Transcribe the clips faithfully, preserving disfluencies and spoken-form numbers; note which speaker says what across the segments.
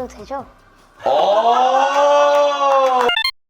Speaker 1: 말해도 되죠?
Speaker 2: 오!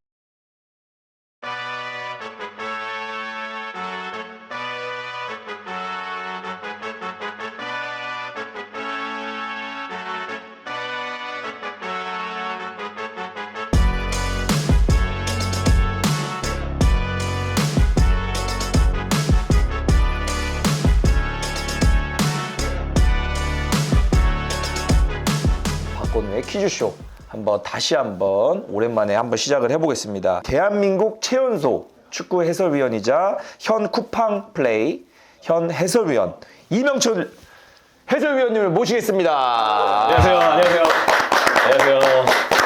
Speaker 2: 박건우의 퀴즈쇼 한번 다시 한번 오랜만에 한번 시작을 해보겠습니다. 대한민국 최연소 축구 해설위원이자 현 쿠팡 플레이 현 해설위원 이명철 해설위원님을 모시겠습니다.
Speaker 3: 안녕하세요. 안녕하세요. 안녕하세요.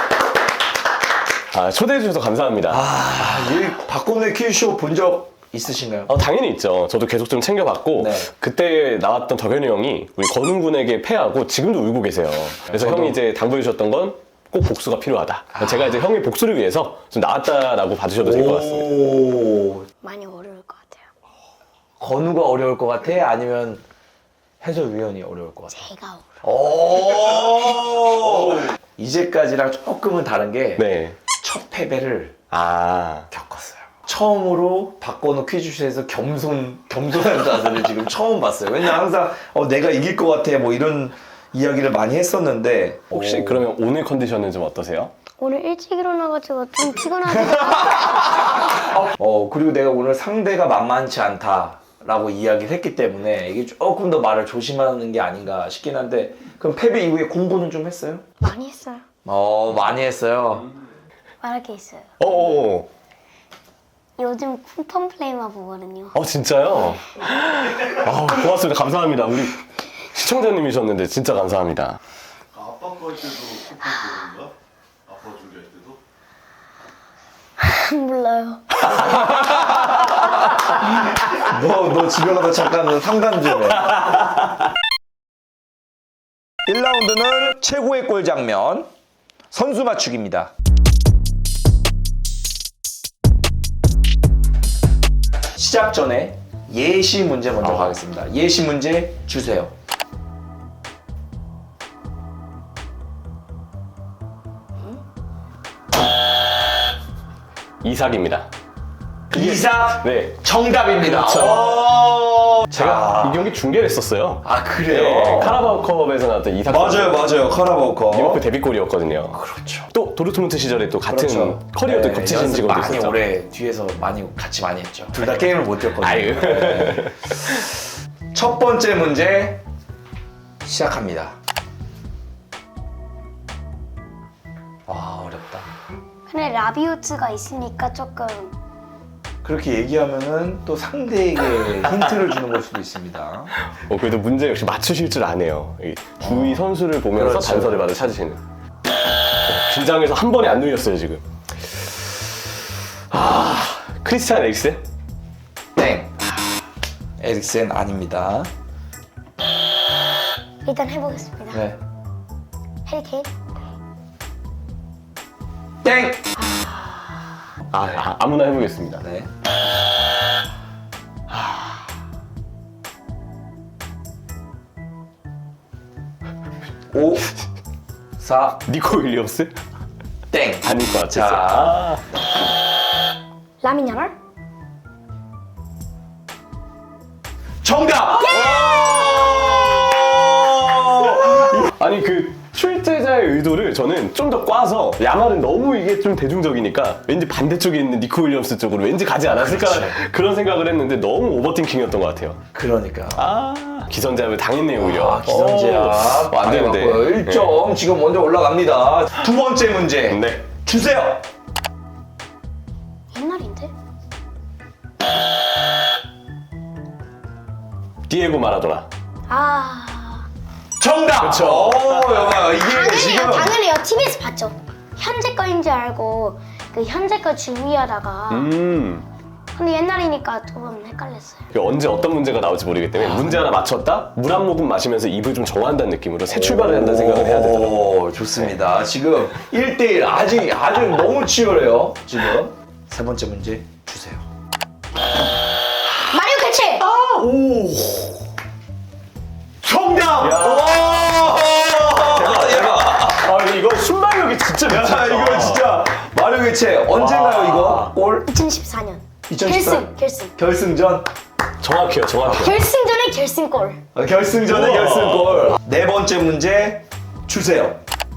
Speaker 3: 아, 초대해 주셔서 감사합니다.
Speaker 2: 아, 이 박건우의 퀴즈쇼 본 적 있으신가요?
Speaker 3: 어, 당연히 있죠. 저도 계속 좀 챙겨봤고
Speaker 2: 네.
Speaker 3: 그때 나왔던 덕현이 형이 우리 건웅 군에게 패하고 지금도 울고 계세요. 그래서
Speaker 2: 저도.
Speaker 3: 형이 이제 당부해 주셨던 건 꼭 복수가 필요하다. 제가 이제 형의 복수를 위해서 좀 나왔다라고 봐주셔도 될 것 같습니다.
Speaker 2: 오,
Speaker 1: 많이 어려울 것 같아요.
Speaker 2: 건우가 어려울 것 같아? 아니면 해설위원이 어려울 것 같아?
Speaker 1: 제가 어려워.
Speaker 2: 오! 이제까지랑 조금은 다른 게 첫
Speaker 3: 네.
Speaker 2: 패배를
Speaker 3: 아.
Speaker 2: 겪었어요. 처음으로 박건우 퀴즈쇼에서 겸손, 겸손한 자세를 지금 처음 봤어요. 왜냐면 항상 어, 내가 이길 것 같아 뭐 이런 이야기를 많이 했었는데
Speaker 3: 혹시
Speaker 2: 오.
Speaker 3: 그러면 오늘 컨디션은 좀 어떠세요?
Speaker 1: 오늘 일찍 일어나가지고 좀 피곤하네요.
Speaker 2: 어, 그리고 내가 오늘 상대가 만만치 않다라고 이야기를 했기 때문에 이게 조금 더 말을 조심하는 게 아닌가 싶긴 한데 그럼 패배 이후에 공부는 좀 했어요?
Speaker 1: 많이 했어요.
Speaker 2: 어, 많이 했어요.
Speaker 1: 말할 게 있어요.
Speaker 3: 어어.
Speaker 1: 요즘 쿠팡 플레이만 보거든요.
Speaker 3: 어, 진짜요? 아, 고맙습니다. 감사합니다. 우리 시청자님이셨는데 진짜 감사합니다.
Speaker 4: 아빠 거 할 때도 쿠팡 보는가? 아빠 준비할 때도?
Speaker 1: 몰라요.
Speaker 2: 너, 너 집에 가서 잠깐 상담 좀 해. 일 라운드는 최고의 골 장면, 선수 맞추기입니다. 시작 전에 예시 문제 먼저
Speaker 3: 어.
Speaker 2: 가겠습니다. 예시 문제 주세요.
Speaker 3: 이삭입니다.
Speaker 2: 이삭
Speaker 3: 네.
Speaker 2: 정답입니다.
Speaker 3: 그렇죠.
Speaker 2: 오.
Speaker 3: 제가
Speaker 2: 자.
Speaker 3: 이 경기 중계를 했었어요.
Speaker 2: 아, 그래요?
Speaker 3: 네, 카라바오컵에서 나왔던 이삭
Speaker 2: 맞아요, 맞아요. 카라바오컵.
Speaker 3: 리버풀 데뷔골이었거든요.
Speaker 2: 그렇죠.
Speaker 3: 또 도르트문트 시절에 또 같은
Speaker 2: 그렇죠.
Speaker 3: 커리어도
Speaker 2: 네,
Speaker 3: 겹치신
Speaker 2: 연습
Speaker 3: 직원도
Speaker 2: 많이
Speaker 3: 있었죠.
Speaker 2: 오래 뒤에서 많이 같이 많이 했죠. 둘 다 게임을 못 뛰었거든요.
Speaker 3: 아유.
Speaker 2: 네. 첫 번째 문제 시작합니다. 와, 어렵다.
Speaker 1: 근데 라비오트가 있으니까 조금
Speaker 2: 그렇게 얘기하면은 또 상대에게 힌트를 주는 걸 수도 있습니다.
Speaker 3: 어, 그래도 문제 역시 맞추실 줄 아네요. 이 주위 선수를 보면서
Speaker 2: 그렇죠.
Speaker 3: 단서를 받아 찾으시는. 어, 긴장해서 한 번에 안 눌렸어요 지금. 아, 크리스티안 에릭센?
Speaker 2: 땡. 에릭센 아닙니다.
Speaker 1: 일단 해보겠습니다.
Speaker 2: 네.
Speaker 1: 해리케인?
Speaker 2: 땡.
Speaker 3: 아, 아 아무나 해보겠습니다.
Speaker 2: 네. 오, 사,
Speaker 3: 니코 윌리엄스?
Speaker 2: 땡.
Speaker 3: 아닐 것 같았어요.
Speaker 2: 자,
Speaker 1: 라민 야말?
Speaker 2: 정답!
Speaker 3: 아니 그 출제자의 의도를 저는 좀 더 꽈서 야말은 너무 이게 좀 대중적이니까 왠지 반대쪽에 있는 니코 윌리엄스 쪽으로 왠지 가지 않았을까
Speaker 2: 그렇죠.
Speaker 3: 그런 생각을 했는데 너무 오버팅킹이었던 것 같아요.
Speaker 2: 그러니까.
Speaker 3: 아 기선제압을 당했네요 오히려.
Speaker 2: 아, 기선제압.
Speaker 3: 어, 안 되는데.
Speaker 2: 일 점 지금 먼저 올라갑니다. 두 번째 문제.
Speaker 3: 네.
Speaker 2: 주세요.
Speaker 1: 옛날인데?
Speaker 3: 디에고 마라도나.
Speaker 1: 아
Speaker 2: 정답!
Speaker 3: 그쵸.
Speaker 2: 오, 여봐. 이게
Speaker 1: 당연해요.
Speaker 2: 지금.
Speaker 1: 당연해요. 티비에서 봤죠. 현재 거인 줄 알고 그 현재 거 준비하다가
Speaker 3: 음.
Speaker 1: 근데 옛날이니까 조금 헷갈렸어요.
Speaker 3: 그 언제 어떤 문제가 나올지 모르기 때문에 문제 하나 맞췄다 물 한 모금 마시면서 입을 좀 정화한다는 느낌으로 새 출발을 한다는 생각을 해야 되더라고요.
Speaker 2: 오, 좋습니다. 지금 일 대 일 아직 아주 너무 치열해요. 지금. 세 번째 문제 주세요.
Speaker 1: 마리오 캐치!
Speaker 2: 오. 정답!
Speaker 3: 야.
Speaker 2: 오! 대박, 대박.
Speaker 3: 아 이거 진짜
Speaker 2: 야,
Speaker 3: 미쳤다.
Speaker 2: 이거 진짜 마력 개체 언젠가요
Speaker 3: 와.
Speaker 2: 이거? 골?
Speaker 1: 이천십사 년.
Speaker 2: 이천십사?
Speaker 1: 결승, 결승.
Speaker 2: 결승전?
Speaker 3: 정확해요, 정확해요.
Speaker 1: 결승전에 결승골.
Speaker 2: 어, 결승전의
Speaker 3: 우와.
Speaker 2: 결승골. 네 번째 문제 주세요.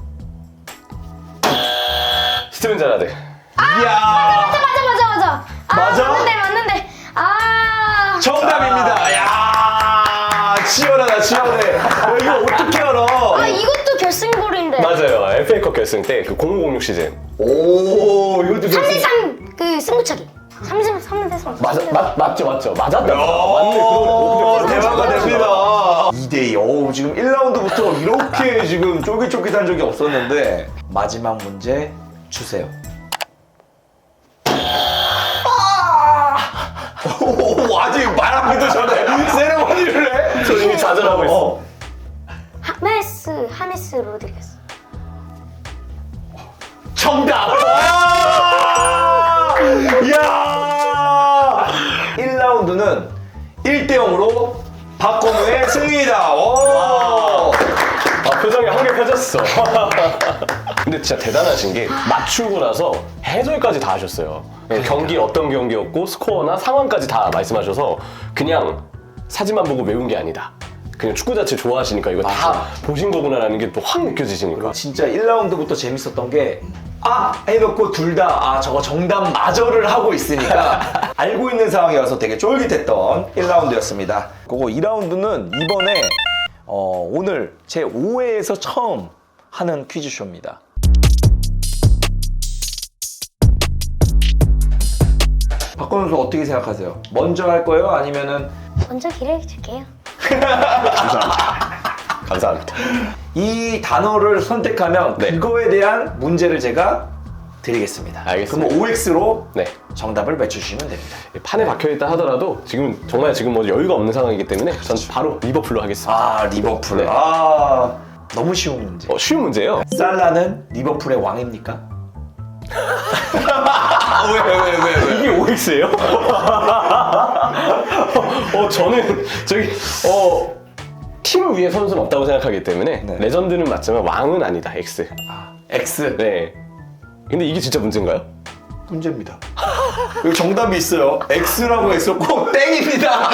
Speaker 3: 스티븐 제라드.
Speaker 2: 이야.
Speaker 1: 맞아, 맞아, 맞아, 맞아. 아,
Speaker 2: 맞아?
Speaker 1: 맞는데, 맞는데. 아.
Speaker 2: 정답입니다. 야, 치열하다, 치열해. 야, 이거 어떻게 알아?
Speaker 1: 아, 이것도 결승골인데.
Speaker 3: 맞아요. 에프에이컵 결승 때 그 공오공육 시즌.
Speaker 2: 오, 이것도
Speaker 1: 삼 대
Speaker 2: 결승.
Speaker 1: 삼 그 승부차기. 삼 대 삼 대 삼.
Speaker 3: 맞아, 맞, 맞죠, 맞죠. 맞았다. 맞네,
Speaker 2: 오,
Speaker 3: 그러네.
Speaker 2: 대화가 됩니다. 이 대 이. 어우, 지금 일 라운드부터 이렇게 지금 쫄깃쫄깃한 적이 없었는데 마지막 문제 주세요. 오, 아직 말하기도 전에 세레머니를 해?
Speaker 3: 저 이미 좌절하고 있어.
Speaker 2: 어.
Speaker 1: 하메스, 하메스 로드리게스.
Speaker 2: 정답! 와! 이야! 일 라운드는 일 대 영으로 박건우의 승리다. 오!
Speaker 3: 아, 표정이 한 개 펴졌어. 근데 진짜 대단하신 게 맞추고 나서 해설까지 다 하셨어요. 경기 어떤 경기였고 스코어나 상황까지 다 말씀하셔서 그냥 사진만 보고 외운 게 아니다. 그냥 축구 자체 좋아하시니까 이거 다 보신 거구나라는 게 또 확 느껴지시니까.
Speaker 2: 진짜 일 라운드부터 재밌었던 게 아! 해놓고 둘 다 아 저거 정답 마저를 하고 있으니까 알고 있는 상황이어서 되게 쫄깃했던 일 라운드였습니다. 그거 이 라운드는 이번에 어, 오늘 제오 회에서 처음 하는 퀴즈쇼입니다. 박건우 선수 어떻게 생각하세요? 먼저 할 거예요? 아니면은
Speaker 1: 먼저 기회 줄게요.
Speaker 3: 감사합니다.
Speaker 2: 이 단어를 선택하면
Speaker 3: 네.
Speaker 2: 그거에 대한 문제를 제가 드리겠습니다.
Speaker 3: 알겠습니다.
Speaker 2: 그럼 오엑스로
Speaker 3: 네.
Speaker 2: 정답을 맞추시면 됩니다.
Speaker 3: 판에 박혀있다 하더라도 지금 정말 지금 뭐 여유가 없는 상황이기 때문에 전 바로 리버풀로 하겠습니다.
Speaker 2: 아 리버풀.
Speaker 3: 네.
Speaker 2: 아 너무 쉬운 문제.
Speaker 3: 어, 쉬운 문제예요.
Speaker 2: 살라는 리버풀의 왕입니까?
Speaker 3: 왜 왜 왜 왜, 왜? 이게 오엑스예요? 어 저는 저기 어. 팀 위에 선수는 없다고 생각하기 때문에
Speaker 2: 네.
Speaker 3: 레전드는 맞지만 왕은 아니다. X.
Speaker 2: X.
Speaker 3: 네. 근데 이게 진짜 문제인가요?
Speaker 2: 문제입니다. 여기 정답이 있어요. X라고 했었고 땡입니다.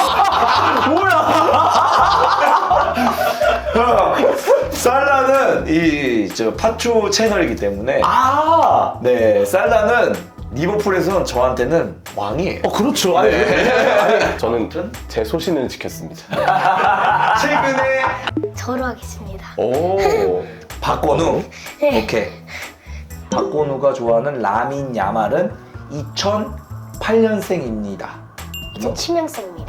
Speaker 2: 뭐야? 살라는 이 저 파투 채널이기 때문에
Speaker 3: 아.
Speaker 2: 네 살라는 리버풀에서는 저한테는 왕이에요.
Speaker 3: 어 그렇죠. 아니,
Speaker 2: 네.
Speaker 3: 아니, 저는 제 소신을 지켰습니다.
Speaker 2: 최근에
Speaker 1: 저로 하겠습니다.
Speaker 3: 오.
Speaker 2: 박건우.
Speaker 1: 네.
Speaker 2: 오케이. 박건우가 좋아하는 라민 야말은 이천팔 년생입니다.
Speaker 1: 이천칠 년생입니다.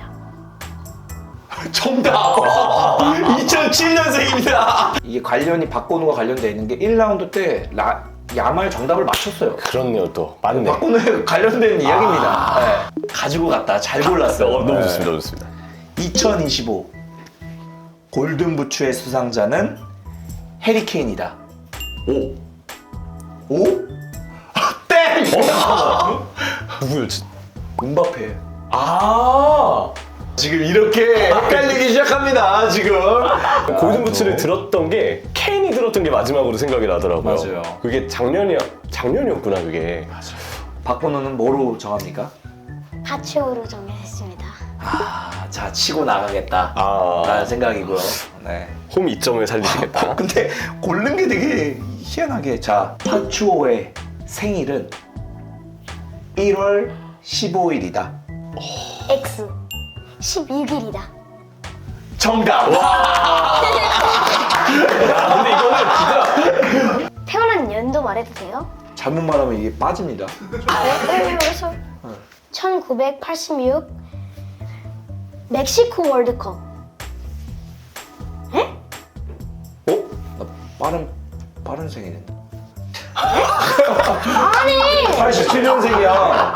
Speaker 2: 정답! 이천칠 년생입니다. 이게 관련이 박건우가 관련되어 있는 게 일 라운드 때 라, 야말 정답을 맞췄어요.
Speaker 3: 그렇네요 또. 맞네.
Speaker 2: 박건우에 관련된 이야기입니다. 네. 가지고 갔다. 잘 골랐어요.
Speaker 3: 어, 너무
Speaker 2: 네.
Speaker 3: 좋습니다. 너무 좋습니다.
Speaker 2: 이천이십오 골든부츠의 수상자는 해리케인이다.
Speaker 3: 오.
Speaker 2: 오? 땡!
Speaker 3: 누구였지?
Speaker 2: 음바페.
Speaker 3: 아.
Speaker 2: 지금 이렇게 헷갈리기 시작합니다. 지금.
Speaker 3: 골든부츠를 들었던 게 케인이 들었던 게 마지막으로 생각이 나더라고요.
Speaker 2: 맞아요.
Speaker 3: 그게 작년이야. 작년이었구나 그게.
Speaker 2: 박건우는 뭐로 정합니까?
Speaker 1: 파츠오로 정했습니다.
Speaker 2: 아, 자 치고 나가겠다.
Speaker 3: 아.
Speaker 2: 라는 생각이고요. 네.
Speaker 3: 홈 이점을 살리시겠다.
Speaker 2: 근데 고른 게 되게 희한하게 자 파추오의 생일은 일월 십오일이다.
Speaker 1: X 십육 일이다.
Speaker 2: 정답.
Speaker 3: 근데 이거는 진짜
Speaker 1: 태어난 연도 말해도 돼요?
Speaker 2: 잘못 말하면 이게 빠집니다.
Speaker 1: 네, 그래서 천구백팔십육 멕시코 월드컵. 에?
Speaker 2: 어? 나 빠른 빠른 생일인데.
Speaker 1: 아니!
Speaker 2: 팔십칠 년생이야.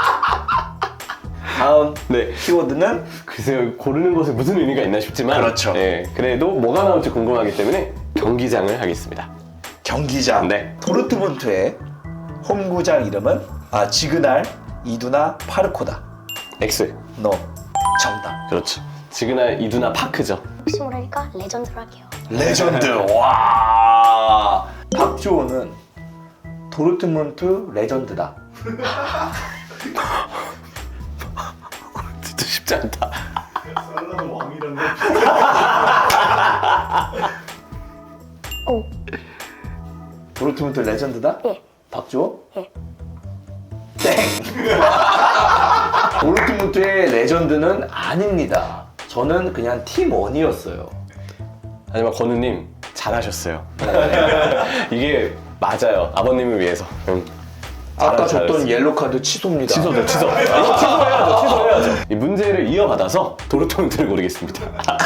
Speaker 2: 다음
Speaker 3: 네.
Speaker 2: 키워드는
Speaker 3: 글쎄요 고르는 것에 무슨 의미가 있나 싶지만
Speaker 2: 그렇죠.
Speaker 3: 예, 그래도 뭐가 나올지 궁금하기 때문에 경기장을 하겠습니다.
Speaker 2: 경기장.
Speaker 3: 네.
Speaker 2: 도르트문트의 홈구장 이름은 아 지그날 이두나 파르코다.
Speaker 3: X.
Speaker 2: 너 정답.
Speaker 3: 그렇죠. 지그날 이두나 파크죠.
Speaker 1: 혹시 모르니까 레전드로 할게요.
Speaker 2: 레전드. 와. 박주호는 도르트문트 레전드다.
Speaker 3: 진짜 쉽지 않다.
Speaker 4: 살라는 왕이란 거.
Speaker 1: 오.
Speaker 2: 도르트문트 레전드다?
Speaker 1: 예.
Speaker 2: 박주호?
Speaker 1: 예.
Speaker 2: 땡! 도르트문트의 레전드는 아닙니다. 저는 그냥 팀원이었어요.
Speaker 3: 하지만 건우님 잘하셨어요. 이게 맞아요. 아버님을 위해서. 응.
Speaker 2: 아까
Speaker 3: 잘하-
Speaker 2: 줬던
Speaker 3: 잘했어요.
Speaker 2: 옐로 카드 취소입니다.
Speaker 3: 취소죠, 취소. 이거 취소해야죠, 취소해야죠. 이 문제를 이어받아서 도르트문트를 고르겠습니다.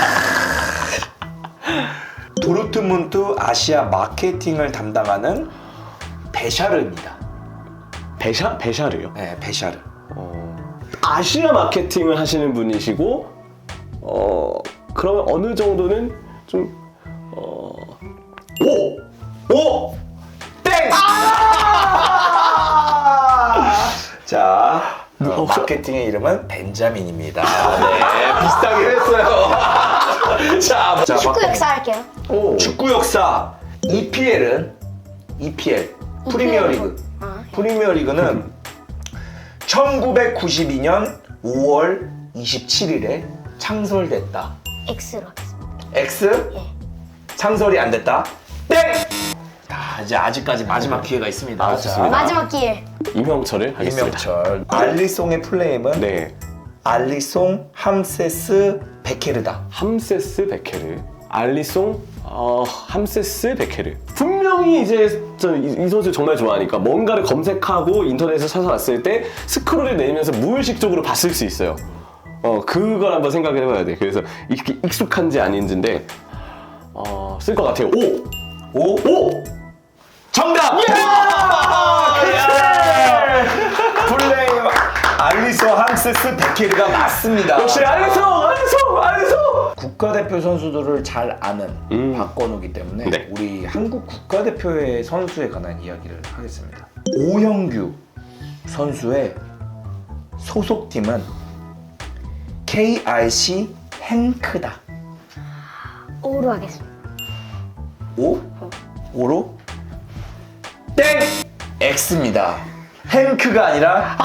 Speaker 2: 도르트문트 아시아 마케팅을 담당하는 베샤르입니다.
Speaker 3: 베샤? 베샤르요?
Speaker 2: 네, 베샤르.
Speaker 3: 아시아 마케팅을 하시는 분이시고, 어, 그러면 어느 정도는 좀, 어, 오! 오!
Speaker 2: 땡! 자, 어, 마케팅의 이름은 벤자민입니다. 네, 비슷하게 했어요. 자, 자,
Speaker 1: 축구
Speaker 2: 막-
Speaker 1: 역사 할게요.
Speaker 3: 오!
Speaker 2: 축구 역사 이피엘은 이피엘 프리미어리그.
Speaker 1: 아,
Speaker 2: 프리미어리그는 천구백구십이 년 오월 이십칠일에 창설됐다.
Speaker 1: X로 하겠습니다.
Speaker 2: X
Speaker 1: 예.
Speaker 2: 창설이 안 됐다. 땡! 자, 이제 아직까지 마지막 기회가 있습니다.
Speaker 3: 아,
Speaker 2: 자,
Speaker 3: 좋습니다.
Speaker 1: 마지막 기회.
Speaker 3: 임형철을 하겠습니다.
Speaker 2: 임명철. 알리송의 플레임은
Speaker 3: 네.
Speaker 2: 알리송 함세스 베케르다.
Speaker 3: 함세스 베케르, 알리송, 어, 함세스 베케르. 분명히 이제 저 이 선수 정말 좋아하니까 뭔가를 검색하고 인터넷에 찾아왔을 때 스크롤을 내리면서 무의식적으로 봤을 수 있어요. 어, 그걸 한번 생각을 해봐야 돼. 그래서 이게 익숙한지 아닌지인데 어, 쓸 것 같아요. 오,
Speaker 2: 오!
Speaker 3: 오,
Speaker 2: 정답! 플레임 알리송 함세스 베케르가 맞습니다.
Speaker 3: 역시 알리송, 알리송, 알리송.
Speaker 2: 국가대표 선수들을 잘 아는
Speaker 3: 음.
Speaker 2: 박건우기 때문에
Speaker 3: 네.
Speaker 2: 우리 한국 국가대표의 선수에 관한 이야기를 하겠습니다. 오형규 선수의 소속팀은 케이알씨 행크다.
Speaker 1: O로 하겠습니다.
Speaker 2: 오? 오로? 땡! X입니다. 행크가 아니라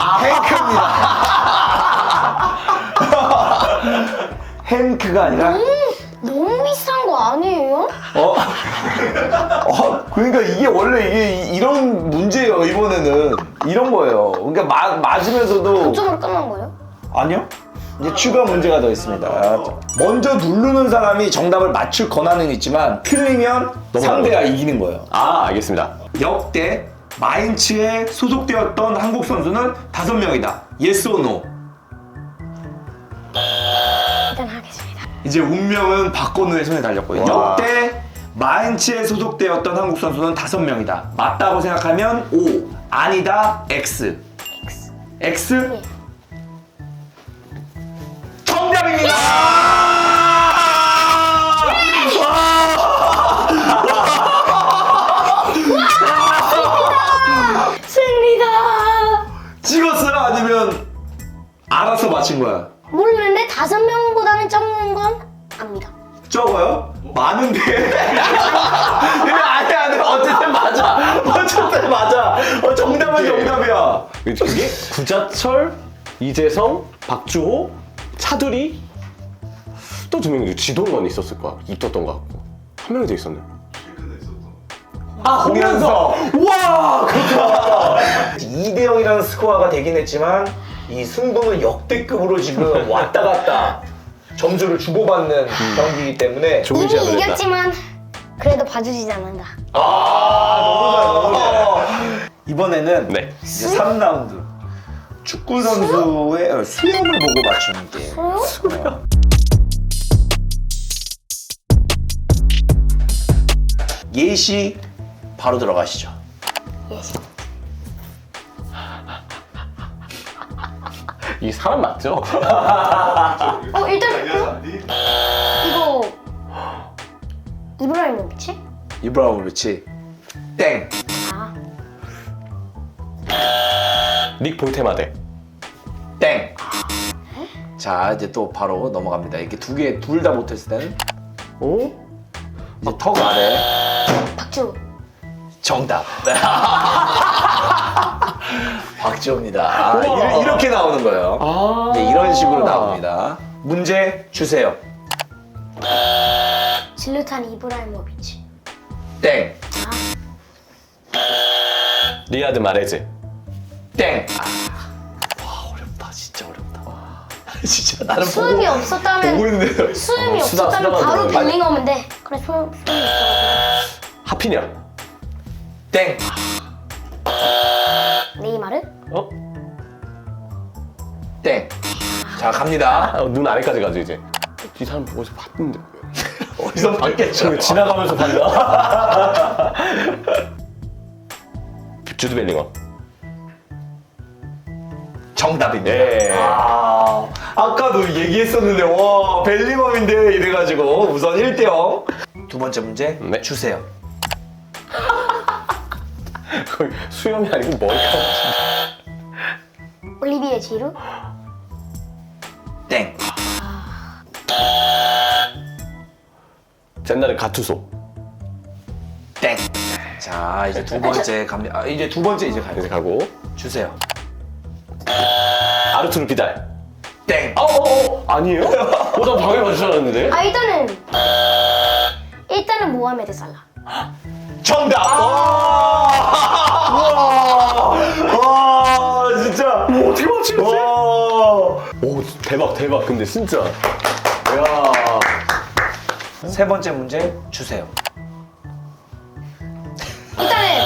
Speaker 2: 행크입니다. 행크가 아니라
Speaker 1: 너무 비싼 거 아니에요?
Speaker 2: 어? 어? 그러니까 이게 원래 이게 이- 이런 문제예요. 이번에는 이런 거예요. 그러니까 마, 맞으면서도
Speaker 1: 점으로 끝난 거예요?
Speaker 2: 아니요. 이제 추가 문제가 더 있습니다. 먼저 누르는 사람이 정답을 맞출 권한은 있지만 틀리면 상대가 이기는 거예요.
Speaker 3: 아, 알겠습니다.
Speaker 2: 역대 마인츠에 소속되었던 한국 선수는 다섯 명이다. Yes or no?
Speaker 1: 일단 하겠습니다.
Speaker 2: 이제 운명은 박건우의 손에 달렸고요.
Speaker 3: 와.
Speaker 2: 역대 마인츠에 소속되었던 한국 선수는 다섯 명이다. 맞다고 생각하면 O, 아니다 X.
Speaker 1: X.
Speaker 2: X?
Speaker 1: 예.
Speaker 2: 정답입니다.
Speaker 1: 승리다.
Speaker 2: 찍었어요? 아니면 알아서 맞힌 거야?
Speaker 1: 모르는데 다섯 명보다는 적는 건 압니다.
Speaker 2: 적어요? 많은데? 아니 아니 어쨌든 맞아. 어쨌든 맞아. 어, 정답은
Speaker 3: 이게-
Speaker 2: 정답이야.
Speaker 3: 그게 구자철, 이재성, 박주호, 차두리 또 두 명이 지동원 있었을 거야. 있었던 것 같고 한 명이 더 있었네.
Speaker 4: 실크가 있었던.
Speaker 2: 아 홍현석. 와 그렇다. 이 대 영이라는 스코어가 되긴 했지만 이 승부는 역대급으로 지금 왔다 갔다 점수를 주고받는 경기이기 때문에
Speaker 3: 좋은
Speaker 1: 이미
Speaker 3: 시합을 했다.
Speaker 1: 이겼지만 그래도 봐주시지 않는다.
Speaker 2: 아 너무 잘 너무 잘. 이번에는
Speaker 3: 네.
Speaker 2: 이제 삼 라운드 축구 선수의 수염을 보고 맞추는 게임.
Speaker 1: 저요?
Speaker 2: 예시 바로 들어가시죠.
Speaker 1: 예시.
Speaker 3: 이 사람 맞죠?
Speaker 1: 어 일단
Speaker 4: 알려서 안 돼?
Speaker 1: 이거 이브라이모비치?
Speaker 2: 이브라이모비치 땡.
Speaker 1: 아
Speaker 3: 닉 볼테마데.
Speaker 2: 땡. 자 이제 또 바로 넘어갑니다. 이렇게 두 개 둘 다 못했을 때는
Speaker 3: 어?
Speaker 2: 이제 턱 아래
Speaker 1: 박주.
Speaker 2: 정답. 박지호입니다. 아, 이- 이렇게 나오는 거예요.
Speaker 3: 아.
Speaker 2: 네, 이런 식으로 나옵니다. 문제 주세요.
Speaker 1: 질루탄 이브라이모비치.
Speaker 2: 땡.
Speaker 3: 리아드 마레즈.
Speaker 2: 땡. 아, 와 어렵다. 진짜 어렵다. 진짜 나는
Speaker 1: 수음이
Speaker 2: 보고,
Speaker 1: 없었다면
Speaker 2: 보고 있는데.
Speaker 1: 수음이
Speaker 3: 어, 수다-
Speaker 1: 없었다면
Speaker 3: 수다만
Speaker 1: 바로
Speaker 3: 들어요.
Speaker 1: 벨링엄인데 그래 수음 수음이 없어.
Speaker 3: 하피냐.
Speaker 2: 땡.
Speaker 1: 네이마르?
Speaker 3: 어?
Speaker 2: 땡. 자 갑니다.
Speaker 3: 아, 눈 아래까지 가죠 이제. 이 사람 어디서 봤는데.
Speaker 2: 어디서 봤겠죠?
Speaker 3: 지나가면서 봤나? 주드 벨링엄.
Speaker 2: 정답입니다.
Speaker 3: 예.
Speaker 2: 아, 아까도 얘기했었는데 와 벨링엄인데 이래가지고 우선 일 대 영. 두 번째 문제
Speaker 3: 네.
Speaker 2: 주세요.
Speaker 3: 거의 수염이 아니고 머리카락.
Speaker 1: 올리비에 지루?
Speaker 2: 땡.
Speaker 3: 옛날에 가투소.
Speaker 2: 땡. 자 이제 두 번째 갑니다. 아, 이제 두 번째 이제 가요.
Speaker 3: 이제 가고.
Speaker 2: 주세요.
Speaker 3: 아르투르 비달.
Speaker 2: 땡.
Speaker 3: 어, 어, 어. 아니에요? 어, 나 방해 맞줄 알았는데.
Speaker 1: 아 일단은 일단은 모하메드 살라.
Speaker 2: 정답. 와. 와 진짜.
Speaker 3: 뭐 어떻게 맞추지?
Speaker 2: 와.
Speaker 3: 오, 대박, 대박. 근데 진짜. 야.
Speaker 2: 세 번째 문제 주세요.
Speaker 1: 일단은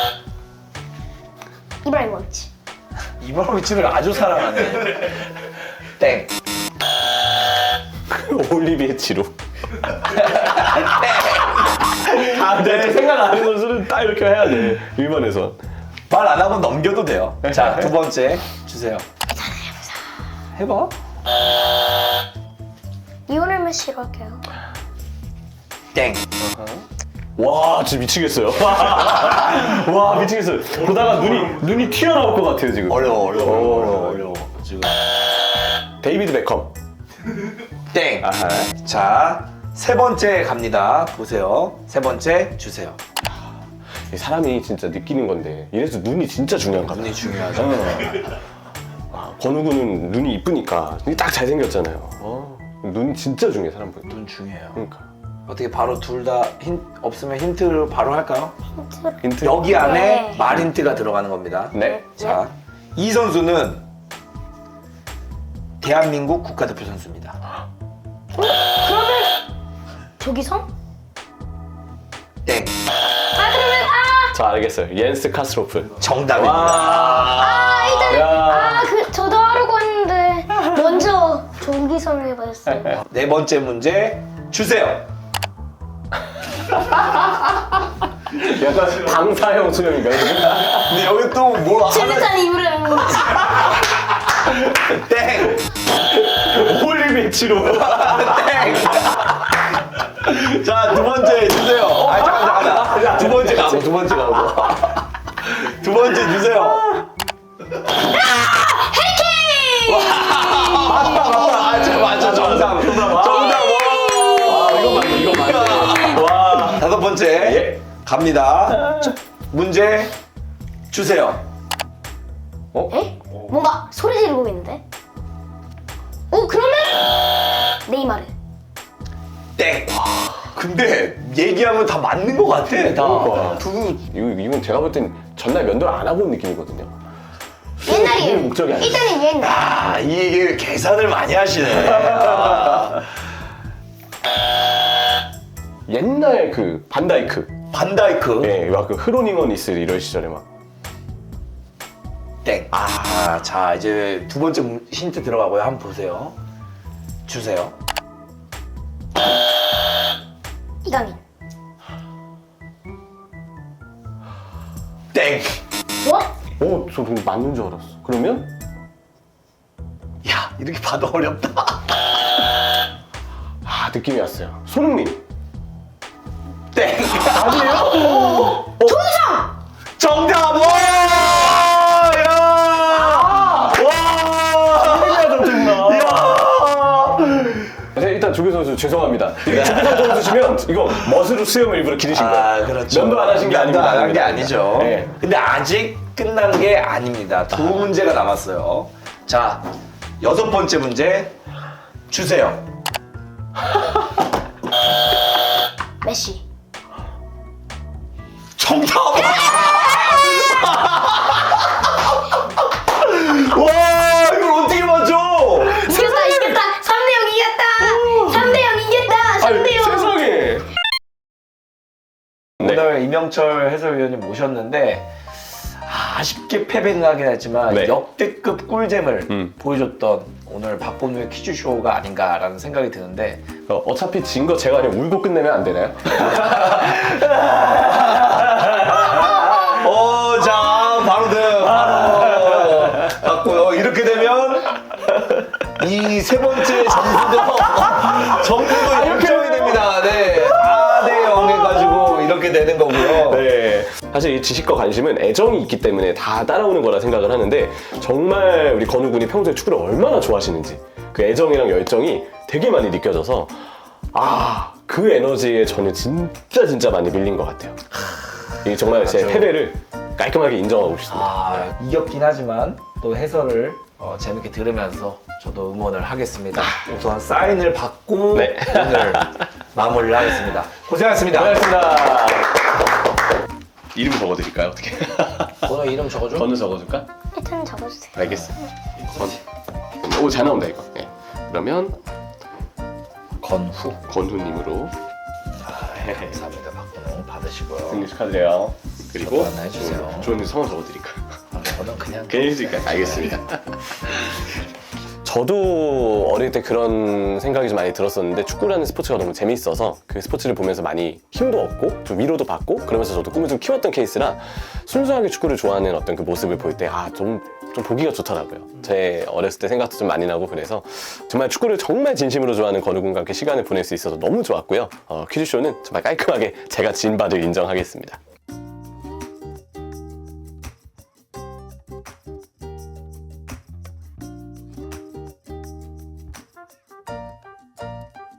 Speaker 1: 이브라이모비치.
Speaker 2: 이브라이모비치를 아주 사랑하네. 땡.
Speaker 3: 올리비에 지루. 아, 내 생각 안 하는 선수는 딱 이렇게 해야 돼. 일반에서.
Speaker 2: 말 안 하고 넘겨도 돼요. 자, 두 번째 주세요. 해봐.
Speaker 1: 리오넬 메시로 할게요.
Speaker 2: 땡.
Speaker 3: 와, 진짜 미치겠어요. 와, 미치겠어요. 보다가 눈이, 눈이 튀어나올 것 같아요, 지금.
Speaker 2: 어려워, 어려워,
Speaker 3: 오.
Speaker 2: 어려워, 어려워. 지금.
Speaker 3: 데이비드 베컴.
Speaker 2: 땡.
Speaker 3: 아하.
Speaker 2: 자, 세 번째 갑니다. 보세요. 세 번째 주세요.
Speaker 3: 이 사람이 진짜 느끼는 건데, 이래서 눈이 진짜 중요한가 봐.
Speaker 2: 눈이 중요하죠.
Speaker 3: 아, 권우구는 눈이 이쁘니까 눈이 딱 잘생겼잖아요. 어, 눈 진짜 중요해, 사람 보면.
Speaker 2: 눈 중요해요.
Speaker 3: 그러니까.
Speaker 2: 어떻게 바로 둘 다 힌 없으면 힌트를 바로 할까요?
Speaker 1: 힌트.
Speaker 3: 힌트?
Speaker 2: 여기 안에
Speaker 1: 네.
Speaker 2: 말 힌트가 들어가는 겁니다.
Speaker 3: 네.
Speaker 2: 자, 이 선수는 대한민국 국가대표 선수입니다.
Speaker 1: 그러면 조기성?
Speaker 2: 땡.
Speaker 1: 아 그러면 아,
Speaker 3: 자, 알겠어요. 옌스 카스로프.
Speaker 2: 정답입니다.
Speaker 1: 아 일단
Speaker 3: 야.
Speaker 1: 아 그 저도 하려고 했는데 먼저 조기성을 해버렸어요.
Speaker 2: 네 번째 문제 주세요.
Speaker 3: 약간 방사형 수염인가요?
Speaker 2: 근데 여기 또 뭐 하나
Speaker 1: 질루탄 이브라이모비치.
Speaker 2: 땡.
Speaker 3: 올리비에 지루.
Speaker 2: 땡. 자, 두 번째 주세요. 아, 잠깐, 잠깐, 잠깐. 두 번째 가고, 두 번째 가고. 두 번째 주세요. 맞다, 맞다. 아, 저 맞아, 정답. 정답.
Speaker 3: 아, 이거 맞네, 이거 맞네. 와.
Speaker 2: 다섯 번째
Speaker 3: 예.
Speaker 2: 갑니다. 문제 주세요.
Speaker 1: 에? 뭔가 소리 지르고 있는데? 오 그러면 네이마르.
Speaker 2: 땡. 근데 얘기하면 다 맞는 것 같아. 다.
Speaker 3: 그 이거 이건 제가 볼 땐 전날 면도를 안 하고 온 느낌이거든요. 그게
Speaker 1: 옛날이에요.
Speaker 3: 목적이 아니에요.
Speaker 1: 일단은 옛날.
Speaker 2: 아, 이게 계산을 많이 하시네. 아,
Speaker 3: 옛날 그 반다이크.
Speaker 2: 반다이크.
Speaker 3: 예, 막 그 흐로닝어니스 이럴 시절에 막.
Speaker 2: 땡. 아, 자 이제 두 번째 문- 힌트 들어가고요. 한번 보세요. 주세요.
Speaker 1: 이강인.
Speaker 2: 땡.
Speaker 1: 뭐?
Speaker 3: 어, 저 그럼 맞는 줄 알았어. 그러면
Speaker 2: 야, 이렇게 봐도 어렵다.
Speaker 3: 아, 느낌이 왔어요. 손흥민.
Speaker 2: 땡.
Speaker 3: 아니에요?
Speaker 1: 조유성.
Speaker 2: 정답. 와! 야! 와!
Speaker 3: 손흥민이야, 정말.
Speaker 2: 야!
Speaker 3: 네, 일단 조규 선수 죄송합니다. 이게 조규 선수 주시면 이거 멋으로 수염을 일부러 기르신 거예요.
Speaker 2: 아, 그렇죠.
Speaker 3: 면도 안 하신 게
Speaker 2: 면도
Speaker 3: 아닙니다.
Speaker 2: 안 한 게 아니죠.
Speaker 3: 네.
Speaker 2: 근데 아직 끝난 게 아닙니다. 두 문제가 남았어요. 자, 여섯 번째 문제 주세요.
Speaker 1: 메시.
Speaker 2: 정답! 와, 이걸 어떻게 맞춰?
Speaker 1: 이겼다 이겼다. 삼 대 영 이겼다. 삼 대 영 이겼다. 삼 대 영.
Speaker 3: 세상에. 네.
Speaker 2: 오늘 이명철 해설위원님 모셨는데 아, 아쉽게 패배는 하긴 했지만
Speaker 3: 네.
Speaker 2: 역대급 꿀잼을
Speaker 3: 음.
Speaker 2: 보여줬던 오늘 박범누의 퀴즈쇼가 아닌가라는 생각이 드는데
Speaker 3: 어, 어차피 진 거 제가 그냥 울고 끝내면 안 되나요?
Speaker 2: 어, 자, 바로 등 바로 맞고요. 이렇게 되면 이 세 번째 점수도 점수도 역전이 됩니다. 네, 사 대 영 해가지고 이렇게 되는 거고요.
Speaker 3: 네. 사실 이 지식과 관심은 애정이 있기 때문에 다 따라오는 거라 생각을 하는데 정말 우리 건우 군이 평소에 축구를 얼마나 좋아하시는지 그 애정이랑 열정이 되게 많이 느껴져서 아, 그 에너지에 저는 진짜 진짜 많이 밀린 것 같아요. 이게 정말 제
Speaker 2: 맞아요.
Speaker 3: 패배를 깔끔하게 인정하고 싶습니다.
Speaker 2: 아, 이겼긴 하지만 또 해설을 어, 재밌게 들으면서 저도 응원을 하겠습니다. 우선 사인을 받고
Speaker 3: 네.
Speaker 2: 오늘 마무리를 하겠습니다. 고생하셨습니다.
Speaker 3: 고맙습니다. 이름 적어드릴까요? 어떻게?
Speaker 2: 오늘 이름 적어줘.
Speaker 3: 건우 적어줄까?
Speaker 1: 일단 적어주세요.
Speaker 3: 알겠어. 건. 오, 잘 나온다 이거. 네. 그러면
Speaker 2: 건후.
Speaker 3: 건우님으로
Speaker 2: 감사합니다. 박건우 받으시고요.
Speaker 3: 생일 축하드려요. 그리고
Speaker 2: 저도 하나 해주세요.
Speaker 3: 조원님 성함 적어드릴까요?
Speaker 2: 아, 저는 그냥
Speaker 3: 그냥 해드릴까요? 알겠습니다. 저도 어릴 때 그런 생각이 좀 많이 들었었는데 축구라는 스포츠가 너무 재밌어서 그 스포츠를 보면서 많이 힘도 얻고 좀 위로도 받고 그러면서 저도 꿈을 좀 키웠던 케이스라 순수하게 축구를 좋아하는 어떤 그 모습을 볼 때 아, 좀, 좀 보기가 좋더라고요. 제 어렸을 때 생각도 좀 많이 나고 그래서 정말 축구를 정말 진심으로 좋아하는 건우 군과 함께 시간을 보낼 수 있어서 너무 좋았고요. 어, 퀴즈쇼는 정말 깔끔하게 제가 진 바를 인정하겠습니다.